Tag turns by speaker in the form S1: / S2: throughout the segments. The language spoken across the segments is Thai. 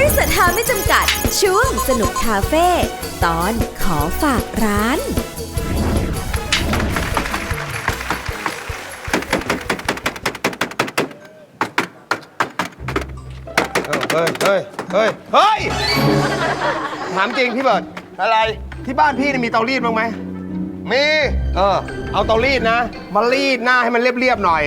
S1: ริษัทหาไม่จำกัดช่วงสนุกคาเฟ่ตอนขอฝากร้าน
S2: เฮ้ยถามจริงพี่เบิร์ดอะไรที่บ้านพี่มีเตารีดบ้างไหมมีเอาเตารีดนะมารีดหน้าให้มันเรียบๆหน่อย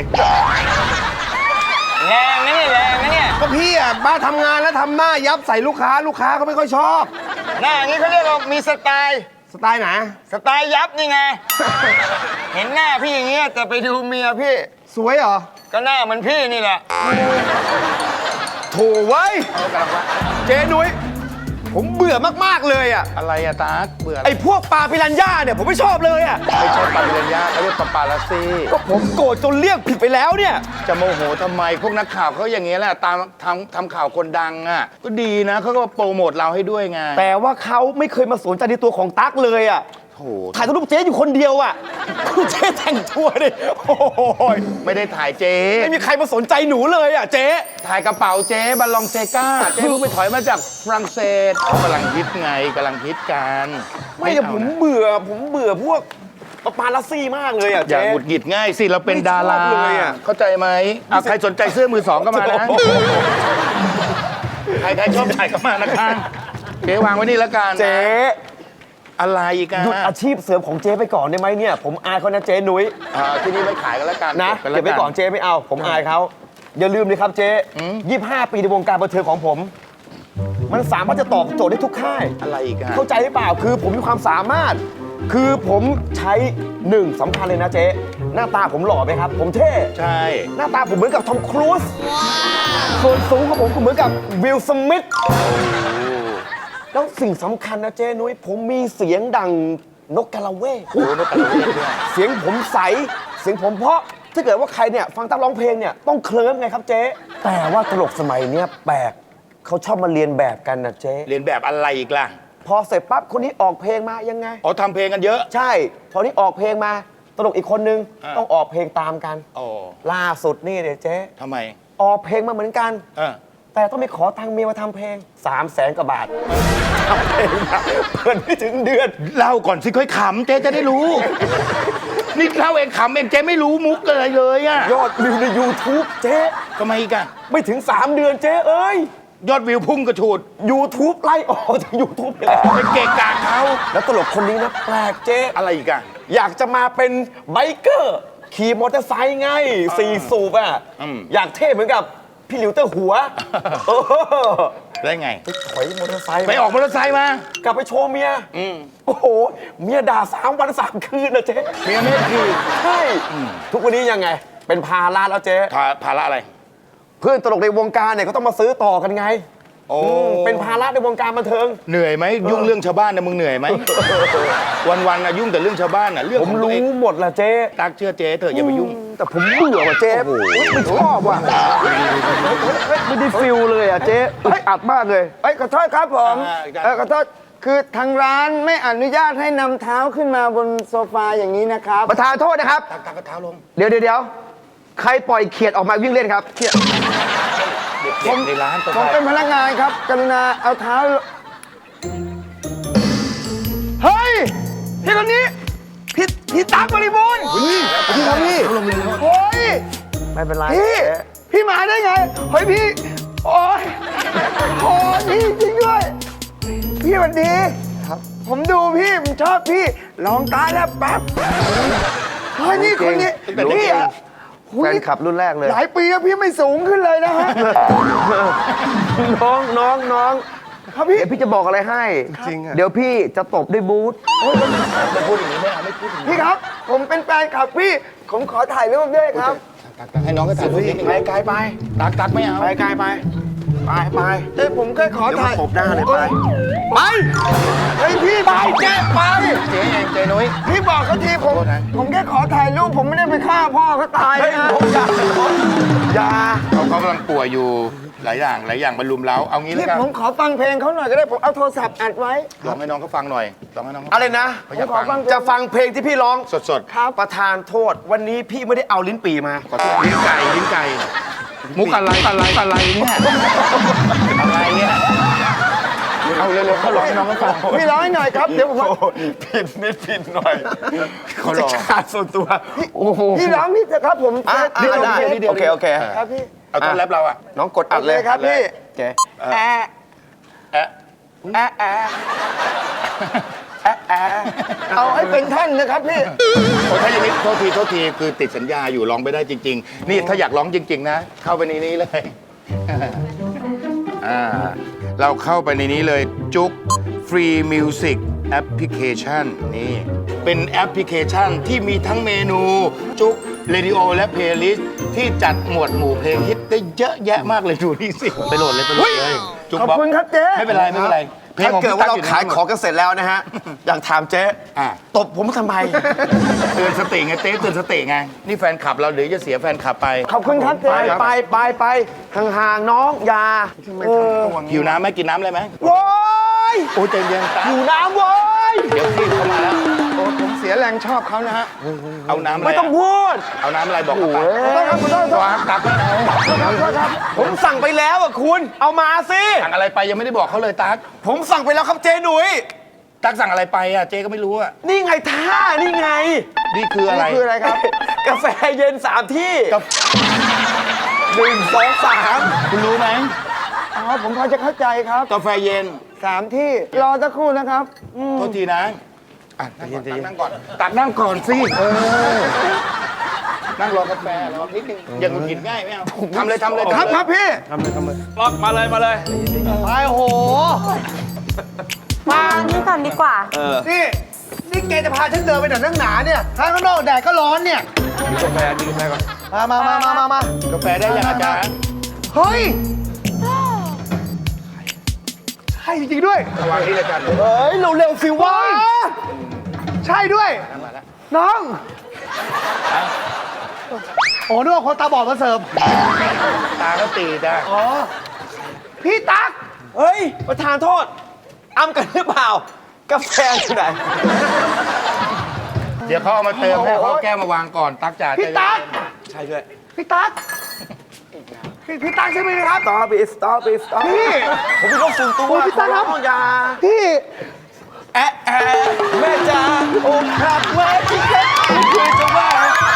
S3: แรงนะเนี่ยแรงนะเนี่ย
S2: ก็พี่อ่ะบ้านทำงานแล้วทำหน้ายับใส่ลูกค้าเขาไม่ค่อยชอบ
S3: หน้าอย่างนี้เขาเรียกว่ามีสไตล์
S2: ไหน
S3: สไตล์ยับนี่ไง เห็นหน้าพี่อย่างเงี้ยแต่ไปดูเมียพี่
S2: สวยเหรอ
S3: ก็หน้าเหมือนพี่นี่แหละ
S2: โถ่ไว้เจ๊นุ้ยผมเบื่อมากๆเลยอ่ะ
S4: อะไรอะตาเบื่อ
S2: ไอ้พวกปลาปิรันย่าเนี่ยผมไม่ชอบเลยอ่ะ
S4: ไม่ใช่ปลาปิรันย่าเขาเรียกปลาลาซี
S2: ก็ผมโกรธจนเรียกผิดไปแล้วเนี่ย
S4: จะโมโหทำไมพวกนักข่าวเขาอย่างเงี้ยแหละตามทำข่าวคนดังอ่ะก็ดีนะเขาก็โปรโมทเราให้ด้วยไง
S2: แต่ว่าเขาไม่เคยมาสนใจในตัวของตั๊กเลยอ่ะถ่ายรูปเจ๊อยู่คนเดียวอ่ะเจ๊แต่งตัวดิโอ้ย
S4: ไม่ได้ถ่ายเจ๊
S2: ไม่มีใครมาสนใจหนูเลยอ่ะเจ๊
S4: ถ่ายกระเป๋าเจ๊บัลลองเซกาเจ๊เพิ่งไปถอยมาจากฝรั่งเศสเขากำลังฮิตไงกำลังฮิตกัน
S2: ไม่แต่ผมเบื่อพวกปาลัสซี่มากเลยอ่ะ
S4: อย่าหงุดหงิดง่ายสิเราเป็นดาราเข้าใจไหมใครสนใจเสื้อมือสองก็มานะใครชอบถ่ายก็มานะคะเจ๊วางไว้นี่แล้วกัน
S2: เจ๊
S4: อะไรกัน
S2: หยุดอาชีพเสริมของเจ๊ไปก่อนได้ไหมเนี่ยผมอายเขานะเจ๊นุ้ย
S4: ที่นี่ไม่ขายกันแล้วกัน
S2: นะเก็บไปก่อนเจ๊ไม่เอาผมอายเขาอย่าลืมเลยครับเจ๊25 ปีในวงการบันเทิงของผมมันสามารถจะตอบโจทย์ได้ทุกค่าย
S4: อะไรอีก
S2: เข้าใจหรือเปล่าคือผมมีความสามารถคือผมใช้1สำคัญเลยนะเจ๊หน้าตาผมหล่อไหมครับผมเท่
S4: ใช่
S2: หน้าตาผมเหมือนกับทอมครูซส่วนสูงของผมก็เหมือนกับวิล สมิธแล้วสิ่งสำคัญนะเจ๊นุ้ยผมมีเสียงดังนกกะละเวกเสียงผมใสเสียงผมเพราะถ้าเกิดว่าใครเนี่ยฟังตั้งร้องเพลงเนี่ยต้องเคลิ้มไงครับเจ๊แต่ว่าตลกสมัยเนี้ยแปลกเขาชอบมาเรียนแบบกันนะเจ๊
S4: เรียนแบบอะไรอีกล่ะ
S2: พอเสร็จปั๊บคนนี้ออกเพลงมายังไง
S4: ทำเพลงกันเยอะ
S2: ใช่พอนี้ออกเพลงมาตลกอีกคนนึงต้องออกเพลงตามกันล่าสุดนี่เดี๋ยวเจ๊
S4: ทำไม
S2: ออกเพลงมาเหมือนกันแต่ต้องไปขอตังค์เมียมาทำเพลง300,000 กว่าบาททำเพลงเพิ่นไม่ถึงเดือน
S4: เล่าก่อนสิค่อยขำเจ๊จะได้รู้นี่เล่าเองขำเองเจ๊ไม่รู้มุกอะไรเลยอะ
S2: ยอดวิวใน YouTube เจ๊
S4: ทำไมกัน
S2: ไม่ถึง3 เดือนเจ๊เอ้ย
S4: ยอดวิวพุ่งกระฉูด
S2: YouTube ไล่ออกจาก YouTube ไปแล้ว
S4: ไปเกะกะเขา
S2: แล้วตลกคนนี้นะแปลกเจ๊
S4: อะไรอีกอะ
S2: อยากจะมาเป็นไบเกอร์ขี่มอเตอร์ไซค์ไง4 สูบอะอยากเท่เหมือนกับพี่หลิวเตอร์หัว
S4: ได้ไง
S2: ไปถอยมอเตอร์ไซค์
S4: ไปออกมอเตอร์ไซค์มาก
S2: ลับไปโชว์เมียโอ้โหเมียด่า3 วัน 3 คืนนะเจ๊
S4: เมียไม่คือ
S2: ใช่ทุกวันนี้ยังไงเป็นภาระแล้วเจ๊
S4: ภาระอะไร
S2: เพื่อนตลกในวงการเนี่ยเขาต้องมาซื้อต่อกันไงเป็นภาระในวงการบันเทิง
S4: เหนื่อยไหมยุ่งเรื่องชาวบ้านนะมึงเหนื่อยไหมวันๆนะยุ่งแต่เรื่องชาวบ้านนะเรื่อง
S2: ผมรู้หมดละเจ๊
S4: ตักเชื่อเจ๊เถอะอย่าไปยุ่ง
S2: แต่ผมเบื่อว่ะเจ๊ไม่ชอบว่ะไม่ได้ฟิลเลยอ่ะเจ๊อัดมากเลย
S5: ขอโทษครับผมขอโทษคือทางร้านไม่อนุญาตให้นำเท้าขึ้นมาบนโซฟาอย่างนี้นะครับ
S2: ประธานโทษนะครับ
S4: ตักเท้าลง
S2: เดี๋ยวใครปล่อยเขียดออกมาวิ่งเล่นครับเขียด
S4: ผมในร้าน
S5: ผมเป็นพนักงานครับกรุณาเอาเท้า
S2: เฮ้ยพี่คนนี้พี่ตั๊กบริบูรณ์พี่ครับพี่โอ้ย
S5: ไม่เป็นไร
S2: พี่มาได้ไงเฮ้ยพี่โอ้ยพี่จริงด้วยพี่สวัสดี
S5: ครับผมดูพี่ผมชอบพี่ลองตาแล้วแป๊บ
S2: เฮ้ยนี่คนนี้พี่อะ
S5: แฟนคลับรุ่นแรกเลย
S2: หลายปีแล้วพี่ไม่สูงขึ้นเลยนะฮะ
S5: น้อง
S2: ครับพี่
S5: เดี๋ยวพี่จะบอกอะไรให้
S2: จริง
S5: เดี๋ยวพี่จะตบด้วยบูท
S4: ไม่พูดอย่างนี้ไม่เอาไม่พูดอย่างนี้
S5: พี่ครับผมเป็นแฟนคลับพี่ผมขอถ่ายรูปด้วยครับ
S4: ตักให้น้องก็ถ่ายรูปนิดนึง
S2: ไปไกลไป
S4: ตักไม่เอา
S2: ไปไกลไป
S5: ผมแค่ขอถ่าย
S2: ตบหน้าเลยไปเฮ้ยพี่ไปเจ๊ไป
S4: เจ๊เองเจ๊นุ้ย
S5: พี่บอกเขาทีผมแค่ขอถ่ายรูปผมไม่ได้ไปฆ่าพ่อเขาตายนะ
S2: อย่า
S4: เขากำลังป่วยอยู่หลายอย่างบรรลุมเล้าเอางี้เลยครับ
S5: ผมขอฟังเพลงเขาหน่อยก็ได้ผมเอาโทรศัพท์อัดไว้
S4: ลองให้น้องเขาฟังหน่อยลองให้น้อง
S2: อะไรนะจะฟังเพลงที่พี่ร้อง
S4: สด
S5: ครับ
S2: ประธานโทษวันนี้พี่ไม่ได้เอาลิ้นปี่มา
S4: ขอโทษลิ้นไก่มุกอะไรเนี่ยอะไรเนี่ยเขาร้องให้น้องเขาฟัง
S5: พี่ร้องให้หน่อยครับ เดี๋ยวผม
S2: ผิดนิดผิดหน่อย
S4: เขารอ
S2: จะขาดส่วนตัว โอ้โห
S5: พี่ร้องนี่เถอะครับผม
S2: ได้โอเค โอเค
S5: ครับพี่
S4: เอาต้นแรปเราอ่ะ
S2: น้องกดอัดเลย
S5: โอเคครับพี่
S2: โอเค
S5: แอะ
S4: แอะ
S5: แอะแอะแอะแอะเอาให้เป็นท่อนนะครับพี่
S4: โอ้ถ้าอย่างนี้โทษทีคือติดสัญญาอยู่ร้องไม่ได้จริง ๆ นี่ถ้าอยากร้องจริง ๆ นะ เข้าไปในนี้เลยเราเข้าไปในนี้เลยจุก Free Music Application นี่เป็นแอปพลิเคชันที่มีทั้งเมนู จุกเรดิโอและเพลย์ลิสต์ที่จัดหมวดหมู่เพลงฮิตได้เยอะแยะมากเลยดูนี่สิ ไปโหลดเลยจุก
S5: ขอบ
S4: บอก
S5: คุณครับเจ๊
S4: ไม่เป็นไรเพลง
S2: ถ้า
S4: ของ
S2: เกิด
S4: พี่
S2: ว่า
S4: ตั๊
S2: เรา
S4: อยู่ใน
S2: ขายของกันเสร็จแล้วนะฮะ อยากถามเจ๊
S4: อ่ะ
S2: ตบผมทำไม
S4: เตือนสติไงเตือนสติไงนี่แฟนคลับเราเดี๋ยวจะเสียแฟนคลับไป
S5: ขอบคุณครับเจ๊
S2: ไปห่างๆน้องอย่า
S4: หิวน้ำไหมกินน้ำอะไรไหม
S2: โว้ย
S4: โอ้ใจเย็นตา
S2: อยู่น้ำโว้ย
S4: เดี๋ยวพี่เข้ามาแล้ว
S5: โอ้ผมเสียแรงชอบเขานะฮะ
S4: เอาน้ำอะไร
S2: ไม่ต้องพูด
S4: เอาน้ำอะไรบอกไป
S5: ขอโทษครับขอโทษครับ
S4: วางตักแล้วเอา
S5: ขอโทษครับ
S2: ผมสั่งไปแล้วอ่ะคุณ เอามาสิ
S4: สั่งอะไรไปยังไม่ได้บอกเขาเลยตั๊ก
S2: ผมสั่งไปแล้วครับเจ๊หนุ่ย
S4: ตั๊กสั่งอะไรไปอ่ะเจ๊ก็ไม่รู้อ่ะ
S2: นี่ไงท่านี่ไง
S4: นี่คืออะไร
S5: นี่คืออะไรครับ
S2: กาแฟเย็น3 ที่
S4: กับ
S2: 1 2 3
S4: คุณรู้ไหม
S5: อ๋อผมพอจะเข้าใจครับ
S4: กาแฟเย็น
S5: 3 ที่รอสักครู่นะครับ
S4: โทษทีนะอ่ะนั่งก่อนตักนั่งก่อนสินั่งรอกาแฟรอนิดนึงอย่างหงุดหงิดง่ายไม่เอาทำเลย
S5: ครับพี่
S2: ล็อกมาเลยมาเลย
S5: ไปโห
S6: มานี่ก่อนดีกว่า
S5: นี่แกจะพาฉันเดินไปไหนนั่งหนาเนี่ยข้างนอกแดดก็ร้อนเนี่ย
S2: กาแฟดื่มได้ก่อน
S5: มา
S4: กาแฟได้ยังอาจารย์
S5: เฮ้ยใช่จริงๆด้วย
S4: วางนี่เลยอาจารย์
S2: เฮ้ยเร็วๆสิวะ
S5: ใช่ด้วย น้องโอ้นึกว่าคนตาบอดมาเสิร์ฟ
S4: ตาก็ตีได้
S5: อ๋อ พี่ตั๊ก
S2: เฮ้ยประธานโทษอ้ำกันหรือเปล่า กาแฟอยู่ไหน
S4: เดี๋ยวเขาเอามาเติมให้เขาเอาแก้วมาวางก่อนตักจ่า
S5: พี่ตั๊ก
S2: ใช่ด้วย
S5: พี่ตั๊กพี่ตั๊กใช่ไหมครับ
S2: stop
S5: พี่
S2: ผมเป็นโรคส่วนตัว
S5: โอ้ยพี่ตั้งครับ
S2: ขอร้องอย่า
S5: พี่
S2: แอะแม่จ๋าอกหักแวะที่แค่คุยจะว่า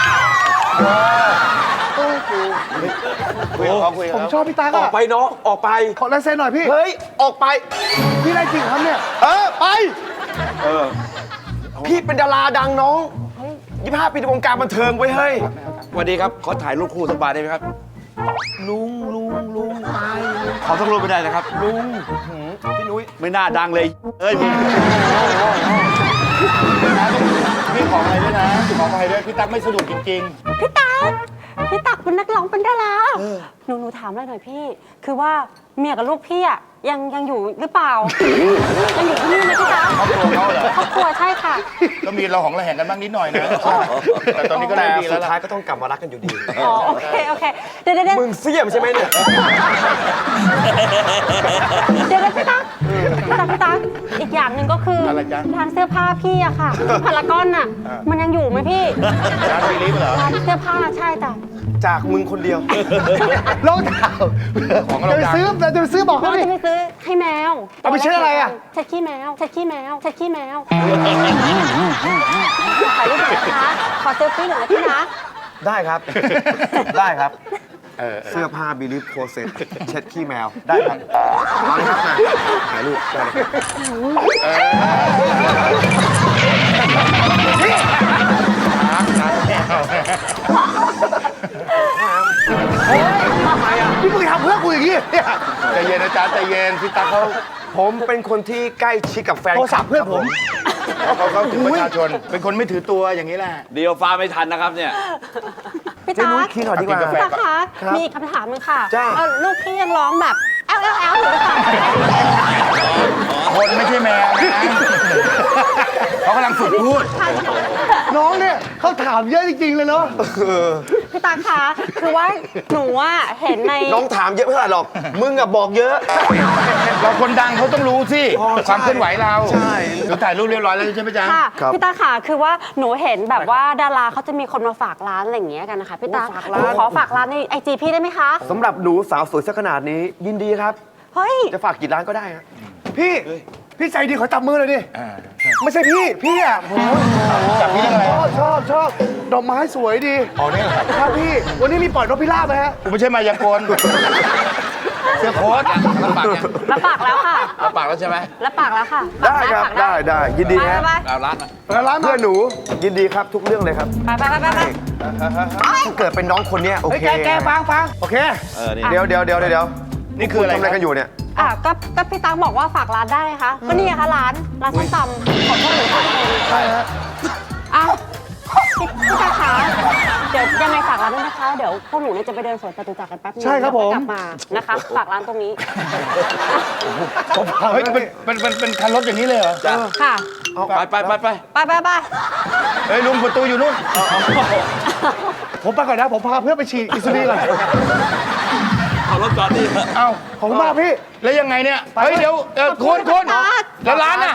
S2: คุย
S5: ผมชอบพี่ตั๊ก
S2: ออ
S5: อะ
S2: กไปน้องออกไป
S5: ขอลายเซ็นหน่อยพี่
S2: เฮ้ย ออกไป
S5: พี่ได้จริงครับเนี่ย
S2: ไป พี่เป็นดาราดังน้อง25 ปีในวงการบันเทิงไว้เฮ้ยสวัสดีครับ ขอถ่ายรูปคู่สักบาทได้ไหมครับ ลุงตายขอสักรูปไม่ได้นะครับ ลุงพี่นุ้ยไม่น่าดังเลย เอ้ย
S4: พี่ขออะไรด้วยนะขออะไรด้วยพี่ตั๊กไม่สะดวกจริง
S6: พี่ตักเป็นนักร้องเป็นดาราหนูถามอะไรหน่อยพี่ คือว่าเมียกับลูกพี่อะยังอยู่หรือเปล่า ยังอยู่ที่นี่ไหมพี่ตั๊ก
S4: ๆครอบครัวเขาเหรอ
S6: ครอบครัวใช่ค่ะ
S4: ก็มีเราของระแหงกันบ้างนิดหน่อยนะแต่ตอนนี้ก็
S2: แต่
S4: เริ่มดีแล้
S2: สุ
S4: ว
S2: ด
S4: ล่ะ
S2: ท้ายก็ต้องกลับมารักกันอยู่ดี
S6: อ๋อโอเคเดี๋ยว
S2: มึงเสียมใช่ไหมเนี่ย
S6: พี่ตั๊กอีกอย่างหนึ่งก็คืออะไร ร้านเสื้อผ้าพี่อะค่ะพารากอนอะมันยังอยู่ไหมพี่
S4: ร้านวีลิฟเหรอ
S6: ร้านเสื้อผ้าใช่จ้ะ
S2: จากมึงคนเดียว
S5: รองเท้า
S4: ของเรา
S5: จะไป
S4: ดัง
S5: ซื้อบอก
S6: เรา
S5: เขาดิ
S6: จะไปซื้อให้แมว
S5: เอาไปเช็ดอะไรอะ
S6: เช็ดขี้แมวถ่ายรูปหน่อยนะคะ ขอเซลฟี่หน่อยนะพี่นะ
S2: ได้ครับ ได้ครับ เสื้อผ้าบิลิฟโคเซ็ตเช็ดขี้แมว ได้ครับเอาเลยครับมาถ่ายรูปได้เลยครับ
S5: พี่มึงทำเพื่อกูอย่างนี้เนี่ย
S4: ใจเย็นอาจารย์ใจเย็นพี่ตั๊กเขา
S2: ผมเป็นคนที่ใกล้ชิดกับแฟน
S5: โทรศัพท์เพื่อนผม
S4: เขาถึงประชาชน เป็นคนไม่ถือตัวอย่างนี้แหละ
S7: เดียวฟ้าไม่ทันนะครับเนี่ย
S6: พี่
S2: เจ๊
S6: ตา
S2: นุ้ยคิดหน่อยดีกว่า
S4: กินกาแฟ
S6: พี่ตาคะมีอีกคำถามหนึงค่ะ
S2: จ้า
S6: ลูกพี่ยังร้องแบบแอลอยู่หรือเปล่า
S4: คนไม่ใช่แมวนะเขากำลังฝึกพูด
S5: น้องเนี่ยเขาถามเยอะจริงๆเลยเนาะ
S6: พี่ตาคะคือว่าหนูอะเห็นใน
S2: น้องถามเยอะไม่เท่าไหร่หรอก มึงอะบอกเยอะ
S4: เราคนดังเขาต้องรู้สิ
S2: อ๋อใช่
S4: ความเคลื่อนไหวเรา
S2: ใช่
S4: เราถ่ายรูปเรียบร้อยแล้วใช่ไหมจ๊ะ
S6: ค่ะ
S2: ครับ
S6: พี่ตาค่ะคือว่าหนูเห็นแบบว่าดาราเขาจะมีคนมาฝากร้านอะไรอย่างเงี้ยกันนะคะพี่ตา
S2: ฝากร้าน
S6: หนูขอฝากร้านในไอจีพี่ได้ไหมคะ
S2: สำหรับหนูสาวสวยสักขนาดนี้ ยินดีครับ
S6: เฮ้ย
S2: จะฝากกี่ร้านก็ได้ครับ
S5: พี่
S2: พี่ใจดีขอจับมือเลยดิ ไม่ใช่พี่อ่ะผม
S4: จับพี่เรื่องอะไร
S2: ชอบดอกไม้สวยดี
S4: อ๋อนี่เหรอ
S2: ครับพี่ วันนี้มีปล่อยนกพิราบไหมฮะ
S4: กูไม่ใช่มายากลเสื้อโค้ท
S7: รับปากยัง
S6: รับปากแล้วค่ะ
S7: รับปากแล้วใช่ไหม
S6: รับปากแล้วค่ะ
S2: ได้ครับ
S6: ปาก
S2: ได้ยินดี
S6: ไป
S2: ฮะ
S6: ไป
S7: เอาร้านมา
S2: ร้านเพื่อนหนูยินดีครับทุกเรื่องเลยครับ
S6: ไปไปไปไปไป
S2: ถ้าเกิดเป็นน้องคนเนี้ยโอเคแกฟังโอเค
S7: นี่
S2: เดี๋ยว
S4: นี่คืออะไร
S2: ทำอะไรกันอยู่เนี่ย
S6: อ่ะก็พี่ตั๊กบอกว่าฝากร้านได้ไงคะก็นี่ไงคะร้านส้มตำของพวกหนูสองคนใช่ฮะอ้าวพี่ตั๊กคะเดี๋ยวยังไงฝากร้านด้วยนะคะ เดี๋ยวพวกหนูเนี่ยจะไปเดินสวนจตุจักรกันแป๊บนึง
S2: ใช่ครับผม
S6: แล้วก็กลับมานะคะฝากร้านตรงนี้
S4: เฮ้ยเป็นคันรถอย่างนี้เลยเหรอ
S7: จ้ะ
S6: ค่ะ
S7: ไปไปไปไป
S6: ไปไปไป
S4: เฮ้ยลุงประตูอยู่นู่น
S2: ผมไปก่อนนะผมพาเพื่อนไปฉีดอินซูลินก่อน
S7: เอารถจอดดิ
S4: เอ้า
S2: ขอบคุณมากพี่
S4: แล้วยังไงเนี่ย เฮ้ยเดี๋ยวคุณแล้วร้านน่ะ